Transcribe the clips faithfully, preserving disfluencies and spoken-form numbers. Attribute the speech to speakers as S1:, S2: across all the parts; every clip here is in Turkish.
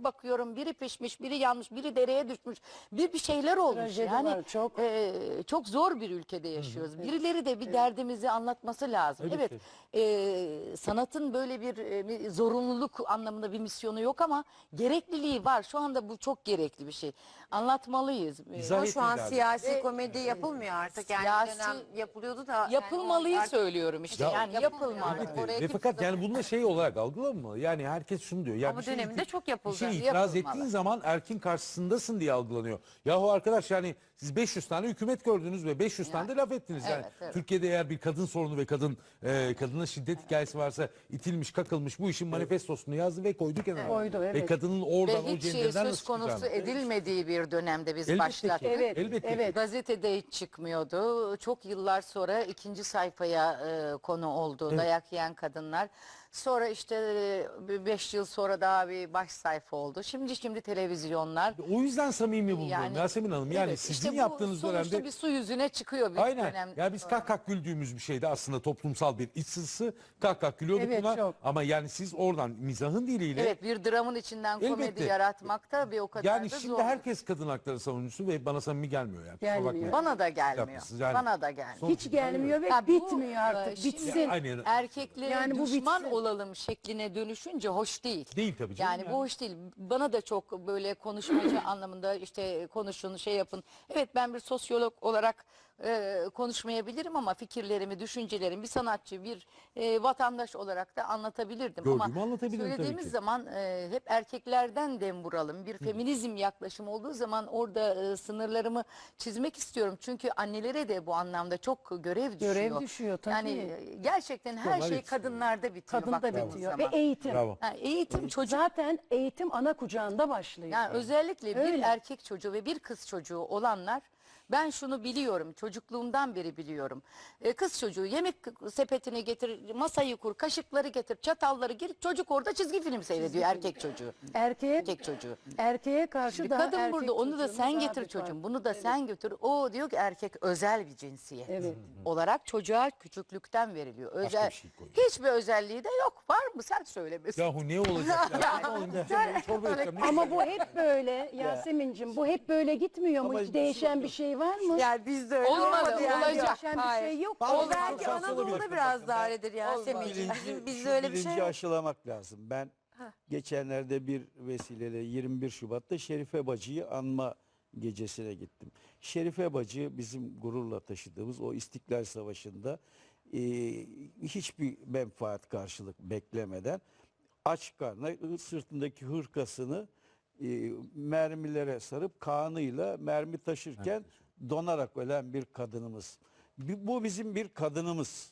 S1: bakıyorum biri pişmiş, biri yanmış, biri dereye düşmüş. Bir bir şeyler olmuş.
S2: Trajedi
S1: Yani
S2: var, çok.
S1: e, çok zor bir ülkede yaşıyoruz. Birileri de bir derdimizi anlatması lazım.
S3: Öyle
S1: Evet.
S3: ki.
S1: e, sanatın böyle bir, e, bir zorunluluk anlamında bir misyonu yok ama gerekliliği var. Şu anda bu çok gerekli bir şey. Anlatmalıyız. E,
S3: İzah
S4: Ama şu an
S3: ettin abi.
S4: siyasi
S1: Ve-
S4: komedi yapılmıyor artık. Yani
S1: Siyasi-
S4: bir dönem yapılıyordu da.
S1: Yapılmalıyı
S4: yani o-
S1: söylüyorum işte.
S3: Ya-
S1: yani yapılmalı.
S3: Elbette.
S4: Oraya
S3: Ve
S4: kimse
S3: fakat
S4: de-
S3: yani bunu da şey olarak algılanmıyor. Yani herkes şunu diyor. Ya
S4: Ama
S3: bir şey
S4: döneminde
S3: iti-
S4: çok yapıldı.
S3: Bir şey itiraz
S1: Yapılmalı.
S3: ettiğin zaman erkin karşısındasın diye algılanıyor. Yahu arkadaş yani siz beş yüz tane hükümet gördünüz ve beş yüz tane de laf ettiniz. Yani
S1: Evet, evet.
S3: Türkiye'de eğer bir kadın sorunu ve kadın e, kadına şiddet hikayesi varsa itilmiş, kakılmış bu işin manifestosunu yazdı ve koydu kenara.
S2: Koydu,
S3: Ve
S2: evet.
S3: kadının oradan
S1: Ve
S3: o
S1: hiç şey
S3: cenderden
S1: söz
S3: nasıl
S1: konusu
S3: çıkacağını.
S1: edilmediği bir dönemde biz
S3: Elbette
S1: başlattık.
S3: ki.
S2: Evet,
S3: Elbette ki.
S2: evet.
S1: Gazetede hiç çıkmıyordu. Çok yıllar sonra ikinci sayfaya e, konu oldu. Dayak yiyen kadınlar. Sonra işte e, beş yıl sonra daha bir baş sayfa oldu. Şimdi şimdi televizyonlar.
S3: O yüzden samimi buluyorum
S1: Yani,
S3: Yasemin Hanım. Yani
S1: evet,
S3: sizin
S1: işte bu
S3: yaptığınız
S1: sonuçta
S3: dönemde
S1: bir su yüzüne çıkıyor bir
S3: aynen.
S1: dönem.
S3: Ya biz kah kah güldüğümüz bir şeydi aslında toplumsal bir iç sızısı. Kah kah gülüyorduk
S2: Evet,
S3: buna.
S2: çok.
S3: Ama yani siz oradan mizahın diliyle
S1: Evet, bir dramın içinden komedi
S3: Elbette.
S1: yaratmak da bir o kadar
S3: yani
S1: da
S3: şimdi
S1: zor.
S3: herkes kadın hakları savunucusu ve bana samimi gelmiyor yani. Kusura
S2: Gelmiyor.
S3: bakmayın.
S1: Bana da gelmiyor.
S3: Yapmışsınız yani.
S1: Bana da gelmiyor.
S3: Son-
S2: Hiç gelmiyor ve
S1: Ya bu,
S2: bitmiyor
S1: e,
S2: artık.
S1: şimdi
S2: Bitsin.
S3: Aynen.
S1: Erkeklere
S2: Yani bu
S1: düşman
S2: bitsin.
S1: olalım şekline dönüşünce hoş değil.
S3: Değil tabii canım
S1: Yani,
S3: yani.
S1: bu hoş değil. Bana da çok böyle konuşmacı anlamında işte konuşun, şey yapın. Evet, ben bir sosyolog olarak e, konuşmayabilirim ama fikirlerimi, düşüncelerimi bir sanatçı, bir e, vatandaş olarak da anlatabilirdim.
S3: Gördüğümü
S1: ama
S3: anlatabilirim tabii
S1: söylediğimiz
S3: ki.
S1: zaman e, hep erkeklerden dem vuralım. Bir feminizm yaklaşımı olduğu zaman orada e, sınırlarımı çizmek istiyorum. Çünkü annelere de bu anlamda çok görev düşüyor.
S2: Görev düşüyor, tabii.
S1: Yani e, gerçekten her
S3: Onlar
S1: şey
S3: yetişiyor.
S1: kadınlarda bitiyor.
S2: Kadın da
S1: baktığımız
S2: bitiyor. Ve
S1: zaman.
S2: eğitim.
S3: Bravo.
S1: Yani eğitim çocuk.
S2: Zaten eğitim ana kucağında başlıyor.
S1: Yani özellikle bir
S2: Öyle.
S1: erkek çocuğu ve bir kız çocuğu olanlar, ben şunu biliyorum, çocukluğumdan beri biliyorum. Ee, kız çocuğu yemek sepetini getir, masayı kur, kaşıkları getir, çatalları gir, çocuk orada çizgi film seyrediyor, erkek çocuğu.
S2: Erkeğe,
S1: Erkek çocuğu.
S2: erkeğe karşı
S1: Bir
S2: da
S1: kadın
S2: erkek
S1: burada, onu da
S2: çocuğunun
S1: sen
S2: daha
S1: getir
S2: bir
S1: çocuğum,
S2: farkı.
S1: bunu da sen götür. O diyor ki erkek özel bir cinsiyet
S2: Evet.
S1: olarak çocuğa küçüklükten veriliyor. Özel,
S3: bir şey koyuyor.
S1: hiçbir özelliği de yok. Var mı? Sen söylemesin.
S3: Yahu ne olacak? ya? Ne olayım diyeceğim, ben çorba yapacağım. Ne
S2: Ama bu hep böyle Yasemin'cim, bu hep böyle gitmiyor mu?
S5: Ama
S2: Hiç değişen bir şey var mı?
S4: Yani bizde öyle
S1: Olmadı,
S4: olmadı yani.
S1: olacak.
S2: Değişen bir
S4: Hayır.
S2: şey yok.
S4: O
S5: Bazı
S4: belki
S5: şans
S4: Anadolu'da
S5: olabilir.
S4: biraz daha öyledir Yasemin'ciğim.
S5: Bilinci,
S4: Bizim- Bizde
S5: şu
S4: öyle bir
S5: bilinci
S4: şey yok.
S5: aşılamak lazım. Ben geçenlerde bir vesileyle yirmi bir Şubat'ta Şerife Bacı'yı anma gecesine gittim. Şerife Bacı bizim gururla taşıdığımız o İstiklal Savaşı'nda e, hiçbir menfaat karşılık beklemeden aç karnına sırtındaki hırkasını e, mermilere sarıp kanıyla mermi taşırken donarak ölen bir kadınımız. Bi- Bu bizim bir kadınımız.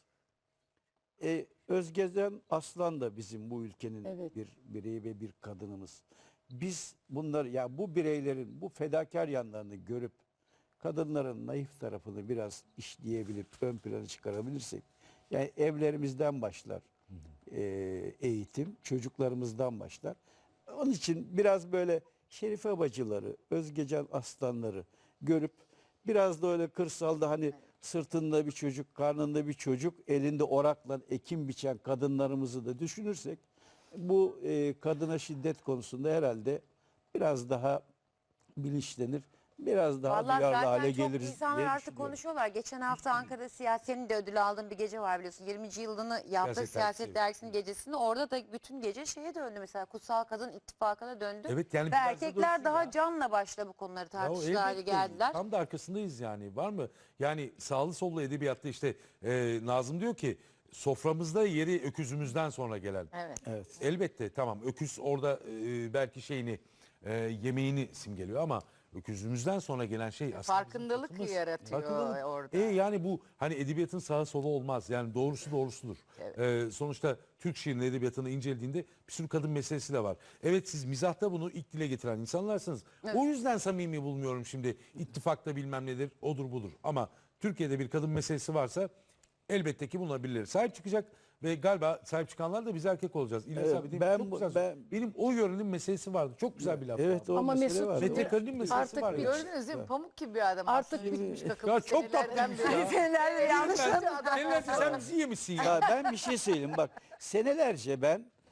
S5: E, Özgezen Aslan da bizim bu ülkenin
S2: Evet.
S5: bir bireyi ve bir kadınımız. Biz bunları ya bu bireylerin bu fedakar yanlarını görüp kadınların naif tarafını biraz işleyebilip ön plana çıkarabilirsek, yani evlerimizden başlar e, eğitim, çocuklarımızdan başlar. Onun için biraz böyle Şerife bacıları, Özgecan Aslanları görüp biraz da öyle kırsalda hani sırtında bir çocuk, karnında bir çocuk, elinde orakla ekim biçen kadınlarımızı da düşünürsek bu e, kadına şiddet konusunda herhalde biraz daha bilinçlenir, biraz daha
S4: Vallahi
S5: duyarlı
S4: zaten
S5: hale
S4: çok
S5: geliriz
S4: insanlar
S5: diye
S4: artık
S5: düşünüyorum.
S4: konuşuyorlar. Geçen hafta Ankara Siyaset'in de ödül aldığım bir gece var biliyorsun. yirminci yılını yaptı
S3: Siyaset
S4: Siyaset,
S3: Dergisi.
S4: Dergisi'nin gecesinde. Orada da bütün gece şeye döndü mesela. Kutsal Kadın İttifakı'na döndü.
S3: Evet, yani
S4: Ve
S3: biraz da
S4: erkekler
S3: dönsün
S4: daha
S3: ya.
S4: canla başla bu konuları
S3: Ya
S4: tartışır hale
S3: elbette.
S4: geldiler.
S3: Tam da arkasındayız yani. Var mı? Yani sağlı sollu edebiyatta işte e, Nazım diyor ki soframızda yeri öküzümüzden sonra gelen.
S1: Evet.
S5: Evet.
S3: Elbette tamam, öküz orada e, belki şeyini e, yemeğini simgeliyor ama öküzümüzden sonra gelen şey aslında bizim
S1: Farkındalık
S3: tatımız.
S1: yaratıyor orada.
S3: E, yani bu hani edebiyatın sağı solu olmaz. Yani doğrusu doğrusudur. E, sonuçta Türk şiirinin edebiyatını incelediğinde bir sürü kadın meselesi de var. Evet, siz mizahta bunu ilk dile getiren insanlarsınız. O yüzden samimi bulmuyorum şimdi. İttifakta bilmem nedir, odur budur. Ama Türkiye'de bir kadın meselesi varsa elbette ki bunlar birileri sahip çıkacak ve galiba sahip çıkanlar da biz erkek olacağız. İlyas
S5: Evet,
S3: abi değil mi?
S5: ben
S3: Çok
S5: bu-
S3: güzel.
S5: ben-
S3: Benim o yörenin meselesi vardı. Çok güzel bir laf.
S5: Evet,
S3: vardı.
S5: o
S2: Ama
S5: mesele
S2: Mesut-
S5: var.
S3: Metrekarının meselesi
S2: Artık
S3: var ya.
S1: Gördünüz değil mi? Pamuk gibi bir adam
S2: Artık
S1: aslında. Bitmiş
S3: Ya
S1: kakılmış
S3: çok
S1: senelerden
S3: tatlıymış ya.
S1: beri.
S4: Senelerde yanlış
S3: Sen, senelerde sen bizi yemişsin ya.
S5: Ya ben bir şey söyleyeyim bak, senelerce ben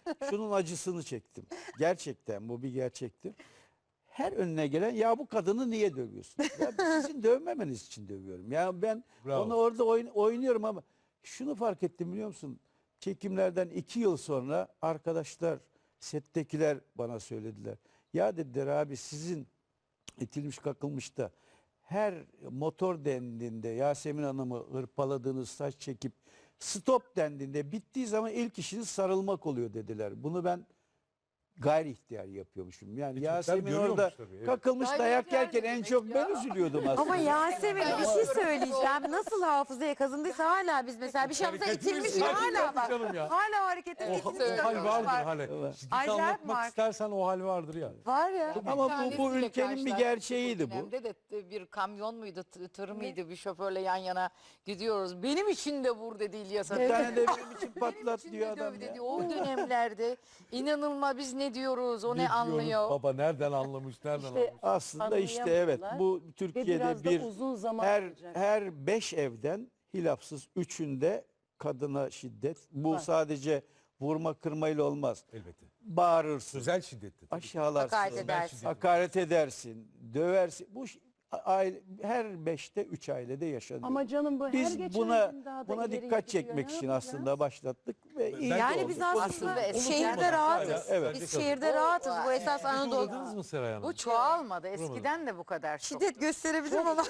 S5: şunun acısını çektim. Gerçekten bu bir gerçektir. Her önüne gelen ya bu kadını niye dövüyorsun? Ya sizin dövmemeniz için dövüyorum. Ya ben
S3: Bravo.
S5: onu orada oyn- oynuyorum ama şunu fark ettim biliyor musun? Çekimlerden iki yıl sonra arkadaşlar, settekiler bana söylediler. Ya dediler abi sizin itilmiş kakılmış da her motor dendiğinde Yasemin Hanım'ı hırpaladığınız saç çekip stop dendiğinde bittiği zaman ilk işiniz sarılmak oluyor dediler. Bunu ben gayri ihtiyar yapıyormuşum. Yani
S3: E, Türkler
S5: Yasemin
S3: görüyormuş
S5: orada
S3: tabii, evet.
S5: kakılmış
S1: Gayri
S5: dayak
S1: ihtiyar
S5: yerken
S1: ne
S5: en
S1: demek
S5: çok
S1: ya?
S5: ben üzülüyordum aslında.
S4: Ama Yasemin bir şey söyleyeceğim. Nasıl hafızaya kazındıysa hala biz mesela bir şamsa
S3: Hareketimiz
S4: itilmiş
S3: var
S4: hala bak.
S3: canım ya.
S4: Hala harekete
S3: O,
S4: itilmiş.
S3: o hal
S4: takılmış
S3: vardır
S4: var.
S3: hale. Şiddeti
S4: Acayip
S3: anlatmak
S4: var.
S3: istersen o hal vardır ya.
S4: Var ya.
S1: Bir
S5: Ama bu- bu
S1: tanesiyle
S5: ülkenin bir
S1: karşılaştık
S5: gerçeğiydi
S1: o
S5: bu.
S1: dönemde de t- bir kamyon muydu, t- tır mıydı, bir şoförle yan yana gidiyoruz. Benim için de vur dedi İlyas
S5: Bir
S1: Atay.
S5: tane de benim için
S1: Benim
S5: patlat
S1: için
S5: diyor
S1: de
S5: adam
S1: döv
S5: ya.
S1: dedi. O dönemlerde inanılmaz biz ne diyoruz, o ne,
S3: diyoruz,
S1: anlıyor.
S3: Baba nereden anlamış, nereden
S2: İşte
S3: anlamış.
S5: Aslında işte evet
S2: Anlayamadılar
S5: bu
S2: Ve
S5: Türkiye'de
S2: biraz
S5: bir
S2: da uzun zaman
S5: her
S2: alacak.
S5: her beş evden hilafsız üçünde kadına şiddet. Bu
S2: Var.
S5: sadece vurma kırmayla olmaz.
S3: Elbette.
S5: Bağırırsın,
S3: Özel şiddetli. tabii.
S5: aşağılarsın,
S4: Hakaret
S3: Özel
S4: edersin.
S3: şiddet.
S5: hakaret edersin, döversin. Bu ş- aile, her beşte üç ailede yaşanıyor.
S2: Ama canım bu her
S5: Biz
S2: geçen
S5: buna
S2: gün daha da
S5: buna
S2: ileri
S5: dikkat
S2: gidiyor.
S5: çekmek
S2: Ne
S5: için
S2: yapacağız?
S5: aslında başlattık ve iyi de
S4: Yani
S5: oldu.
S4: biz
S5: Konuşuldu.
S4: aslında
S1: Konuşuldu.
S4: şehirde
S1: Unutulmadı.
S4: rahatız.
S5: Evet.
S4: Biz şehirde rahatız. Bu esas
S3: Hiç
S4: Anadolu.
S3: uğradınız mı Seray Hanım?
S1: Bu çoğalmadı. Eskiden de bu kadar çok.
S4: Şiddet gösterebilirim ama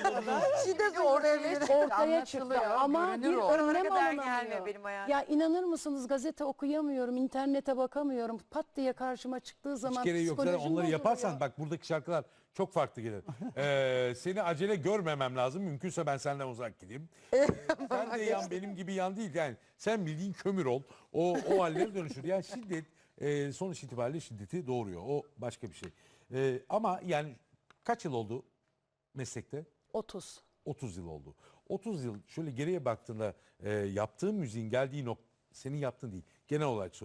S4: şiddet oraya bir
S2: Ortaya çıktı ama bir
S1: görünür o.
S4: oralara
S2: önlem
S4: kadar gelmiyor
S2: alınamıyor.
S4: benim hayatım.
S2: Ya inanır mısınız gazete okuyamıyorum, internete bakamıyorum. Pat diye karşıma çıktığı zaman
S3: Hiç gereği yok. Zaten
S2: psikolojim
S3: onları
S2: bozuluyor.
S3: yaparsan bak buradaki şarkılar çok farklı gelir. Ee, seni acele görmemem lazım. Mümkünse ben senden uzak gideyim. Ee, sen de yan benim gibi yan değil. Yani sen bildiğin kömür ol. O, o hallere dönüşür. Yani şiddet e, sonuç itibariyle şiddeti doğuruyor. O başka bir şey. Ee, ama yani kaç yıl oldu meslekte?
S2: otuz.
S3: otuz yıl oldu. otuz yıl şöyle geriye baktığında e, yaptığın müziğin geldiği nokta senin yaptığın değil. Genel olarak söylüyorum.